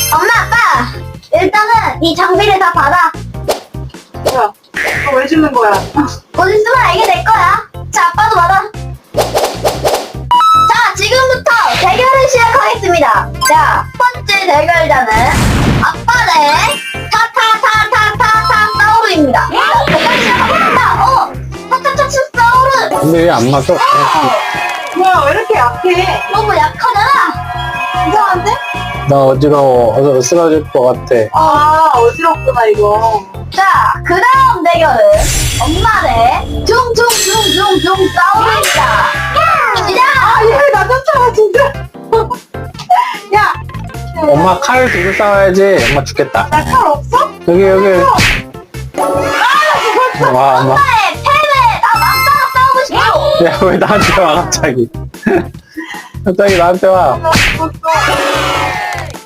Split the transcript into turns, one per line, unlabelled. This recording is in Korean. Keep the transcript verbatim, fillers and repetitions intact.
엄마, 아빠! 일단은 이 장비를 다 받아.
뭐야? 너 왜 주는 거야?
곧 있으면 알게 될 거야. 자, 아빠도 받아. 자, 지금부터 대결을 시작하겠습니다. 자, 첫 번째 대결자는 아빠 대 타타타타타타 사우루입니다. 자, 대결 시작하겠습니다. 어! 타타타타 사우루!
근데 왜 안 맞아?
뭐야, 왜 이렇게 약해?
너무 약하잖아!
이상한데?
나 어지러워. 어서 쓰러질 것 같아.
아, 어지럽구나, 이거.
자, 그 다음 대결은 엄마 대 둥둥둥둥둥 사우루입니다. 시작!
아, 얘 나 쫓아와, 진짜. 야!
엄마 칼 들고 싸워야지. 엄마 죽겠다.
나 칼 없어?
여기, 여기. 와, 엄마.
엄마의 패배! 나 맞서서 싸우고 싶어!
야, 왜 나한테 와, 갑자기. 갑자기 나한테 와.
나 죽었어.